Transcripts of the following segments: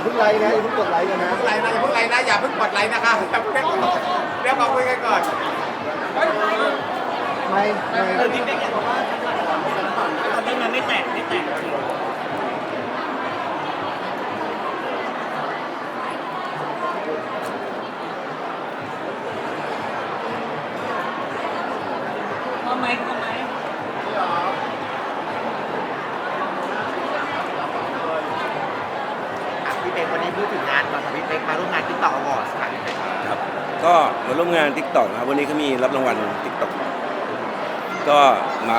เพิ่งไลค์นะอย่าเพิ่งกดไลค์กันนะไลน์นะอย่าเพิ่งไลน์นะอย่าเพิ่งกดไลน์นะคะอย่าเพิ่งเรียกมาคุยกันก่อนไม่พี่เป๊กอยากบอกว่าตอนนี้มันไม่แตกพอไหมพี่เป๊กวันนี้พูดถึงงานก่อนครับพี่เป๊กมาร่วมงานTikTok Awards ค่ะพี่เป๊กครับก็มาร่วมงาน TikTok นะครับวันนี้เขามีรับรางวัล TikTok ก็มา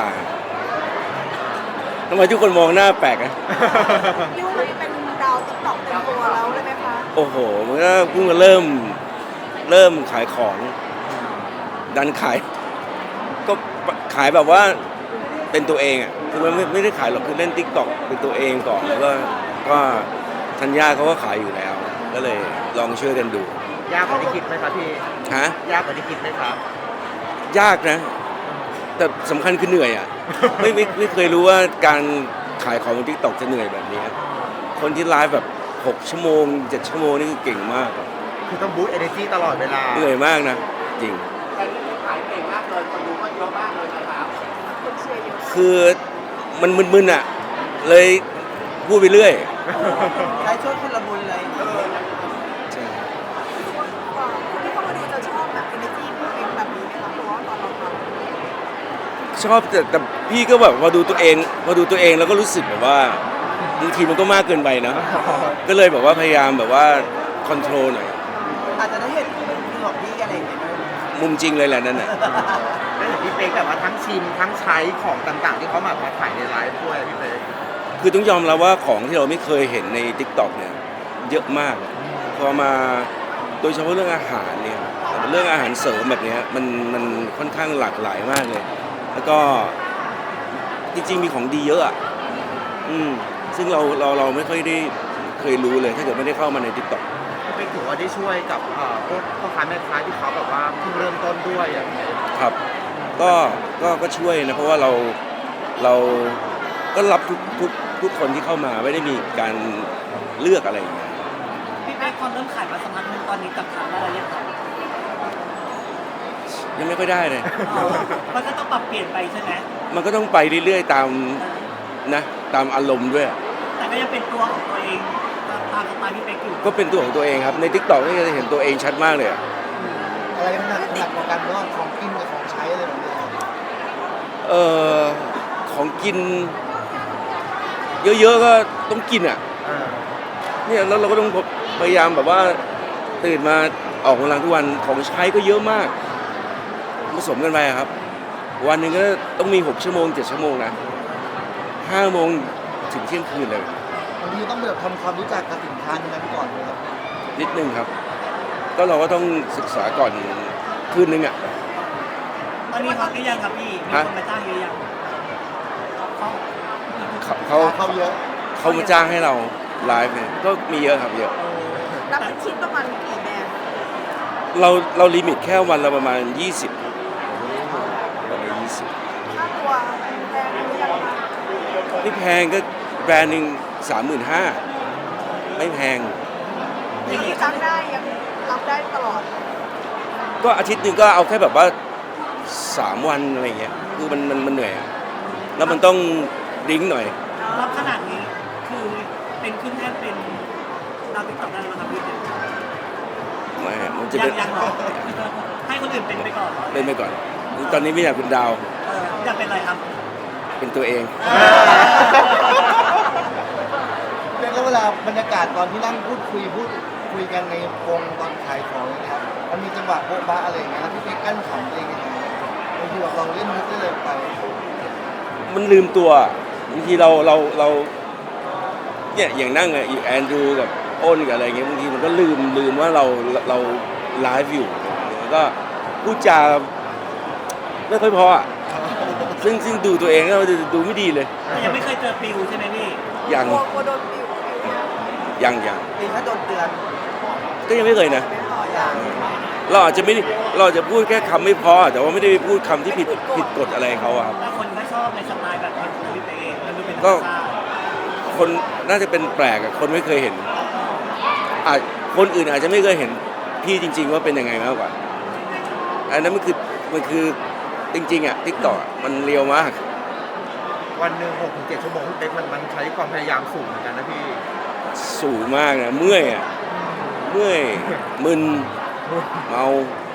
ทำไมทุกคนมองหน้าแปลกอะพี่ว่าเป็นดาวติ๊กต็อกเต็มตัวแล้วเลยไหมคะโอ้โหมันก็เพิ่งมาเริ่มขายของดันขายก็ขายแบบว่าเป็นตัวเองอ่ะคือมันไม่ได้ขายหรอกคือเล่น TikTok เป็นตัวเองก่อนแล้วก็ธัญญาเขาก็ขายอยู่แล้วก็เลยลองช่วยกันดูยากกว่าที่คิดไหมครับพี่ฮะยากกว่าที่คิดไหมครับยากนะ แต่สำคัญคือเหนื่อยอ่ะ ไม่เคยรู้ว่าการขายของบน TikTok จะเหนื่อยแบบนี้ คนที่ไลฟ์แบบ6 ชั่วโมง 7 ชั่วโมงนี่คือเก่งมากคือต้องบูสต์ energy ตลอดเวลาเหนื่อยมากนะ จริงแต่ที่ขายเก่งมากเลยคนดูก็เยอะมากเลยนะครับคนเชียร์เยอะคือมันมึนๆอ่ะ เลยพูดไปเรื่อยใช้ช่วยคนละบุญเลยใช่คนที่เข้ามาดูจะชอบแบบเอเนจีพี่เป็นแบบนี้ไหมคะเพราะว่าตอนเราทชอบแต่พี่ก็แบบพอดูตัวเองแล้วก็รู้สึกแบบว่าบางทีมันก็มากเกินไปนะ ก็เลยแบบว่าพยายามแบบว่าคอนโทรลหน่อยอาจจะได้เห็นของพี่อะไรอย่างเงี้ยมุมจริงเลยแหละนั่นน่ะแล้วเห็นพี่เป๊กแบบว่าทั้งชิมทั้งใช้ของต่างๆ ที่เขามาขายในไลฟ์ด้วยพี่เป๊กคือต้องยอมรับว่าของที่เราไม่เคยเห็นใน TikTok เนี่ยเยอะมาก พอมาโดยเฉพาะเรื่องอาหารเนี่ยเรื่องอาหารเสริมแบบเนี้ยมันค่อนข้างหลากหลายมากเลย แล้วก็จริงๆมีของดีเยอะอ่ะซึ่งเราไม่ค่อยได้เคยรู้เลยถ้าเกิดไม่ได้เข้ามาใน TikTok พี่เป๊กถือว่าได้ช่วยกับพวกพ่อค้าแม่ค้าที่เขาแบบว่าเพิ่งเริ่มต้นด้วยอย่างเงี้ยครับก็ช่วยนะเพราะว่าเราก็รับทุกคนที่เข้ามาไม่ได้มีการเลือกอะไรอย่างเงี้ยพี่เป๊กความเริ่มขายมาสักพักนึงตอนนี้จับขายได้แล้วยังครับยังไม่ค่อยได้เลยมันก็ต้องปรับเปลี่ยนไปใช่ไหมมันก็ต้องไปเรื่อยๆตามอารมณ์ด้วยแต่ก็ยังเป็นตัวของตัวเองตามสไตล์พี่เป๊กอยู่ก็เป็นตัวของตัวเองครับใน TikTok นี่จะเห็นตัวเองชัดมากเลยอะอะไรมันหนักกว่ากันระหว่างของกินกับของใช้อะไรแบบนี้ของกิน เยอะๆก็ต้องกินอ่ะเนี่ยแล้วเราก็ต้องพยายามแบบว่าตื่นมาออกกำลังทุกวันของใช้ก็เยอะมากผสมกันไปอะครับ วันหนึ่งก็ต้องมี6 ชั่วโมง 7 ชั่วโมงนะ5 โมงถึงเที่ยงคืนเลยบางทีต้องแบบทำความรู้จักกับสินค้านั้นก่อนนะครับนิดนึงครับ ก็เราก็ต้องศึกษาก่อนคืนนึงอ่ะตอนนี้ฮอตหรือยังครับพี่มีคนมาจ้างเยอะยังเขาเขาเยอะเขามาจ้างให้เราไลฟ์เนี่ยก็มีเยอะครับเยอะำนับเป็นชิ้นประมาณกี่แบรนด์เราลิมิตแค่วันละประมาณ 20ประมาณ20 ค่าตัวแพงหรือยังคะไม่แพงก็แบรนด์หนึ่ง35,000ไม่แพงอย่างนี้จ้างได้ยังรับได้ตลอดก็อาทิตย์หนึ่งก็เอาแค่แบบว่า3 วันอะไรเงี้ยคือมันเหนื่อยอะแล้วมันต้องดิ้งหน่อยรับขนาดนี้คือเป็นขึ้นแท่นเป็นดาวติ๊กต็อกได้ไหมครับพี่ไม่มันจะยัเป็นงหรอให้คนอื่นเป็นไปก่อนเป็นไปก่อน ตอนนี้ไม่อยากเป็นดาวอยากเป็นอะไรครับเป็นตัวเองเรียกว่าเวลาบรรยากาศตอนที่นั่งพูดคุยกันในวงตอนขายของนะครับมันมีจังหวะโบ๊ะบ้าอะไรอย่างเงี้ยแล้วพี่เป๊กกั้นขำเองยังไงบางทีแบบเราเล่นมุกได้เลยไปมันลืมตัวบางทีเราเนี่ยอย่างนั่งอะอยู่แอนดรูกับอ้นกับอะไรเงี้ยบางทีมันก็ลืมว่าเราไลฟ์อยู่แล้วก็พูดจาไม่ค่อยพออะซึ่งดูตัวเองแล้วดูไม่ดีเลยแต่ยังไม่เคยเจอปิวใช่ไหมพี่ยังกลัวโดนปิวเนี่ยยังปิวถ้าโดนเตือนก็ยังไม่เคยนะไม่ต่ออย่างเราอาจจะพูดแค่คำไม่พอแต่ว่าไม่ได้ไปพูดคำที่ผิดกฎอะไรเขาอะครับแต่คนก็ชอบในสไตล์แบบของพี่เป๊กมันดูเป็นธรก็รมชาติคนน่าจะเป็นแปลกอะคนไม่เคยเห็นอาจคนอื่นอาจจะไม่เคยเห็นพี่จริง ๆ ว่าเป็นยังไงมากกว่าอันนั้นมันคือจริงๆอ่ะทิกตอกมันเรียวมากวันหนึ่ง6-7 ชั่วโมงพี่เป๊กมันใช้ความพยายามสูงเหมือนกันนะพี่สูงมากนะเมื่อยอ่ะเมื่อยมึนเมา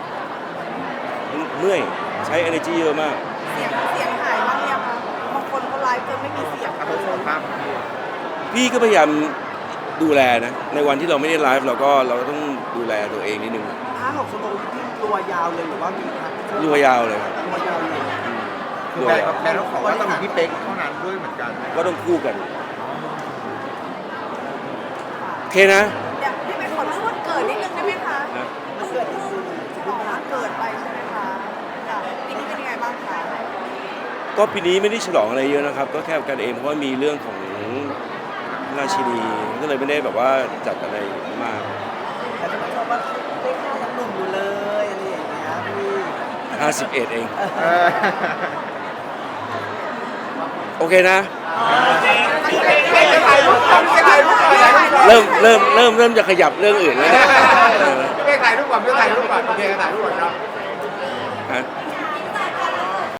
เมื่อยใช้ energy เยอะมากเสียงหายบ้างยังคะบางคนเขาไลฟ์จนไม่มีเสียงถ้าผมขอภาพพี่พี่ก็พยายามดูแลนะในวันที่เราไม่ได้ไลฟ์เราก็ต้องดูแลตัวเองนิดนึง 5-6 ชั่วโมงที่ตัวยาวเลยหรือว่ามีครับรัวยาวเลยครับตัวยาวเลยคือแบรนด์ต้องขอว่าต้องมีพี่เป๊กเท่านั้นด้วยเหมือนกันก็ต้องคู่กันโอเคนะเดี๋ยวพี่เป็นขอเรื่องวันเกิดนิดนึงได้ไหมคะนะเพิ่งฉลองวันเกิดไปใช่ไหมคะค่ะปีนี้เป็นยังไงบ้างคะก็ปีนี้ไม่ได้ฉลองอะไรเยอะนะครับ ก็แค่กันเองเพราะว่ามีเรื่องของราชินีก็เลยไม่ได้แบบว่าจัดอะไรมากแต่ที่ผมชอบว่าเล็กยังหนุ่มอยู่เลยอะไรอย่างเงี้ยพี่ 51เองเออโอเคนะจะถ่ายรูปก่อนจะถ่ายรูปก่อนเริ่มจะขยับเรื่องอื่นแล้วเนี่ยพี่เป๊กถ่ายรูปก่อนพี่ถ่ายรูปก่อนโอเคถ่ายรูปก่อนครับฮะพ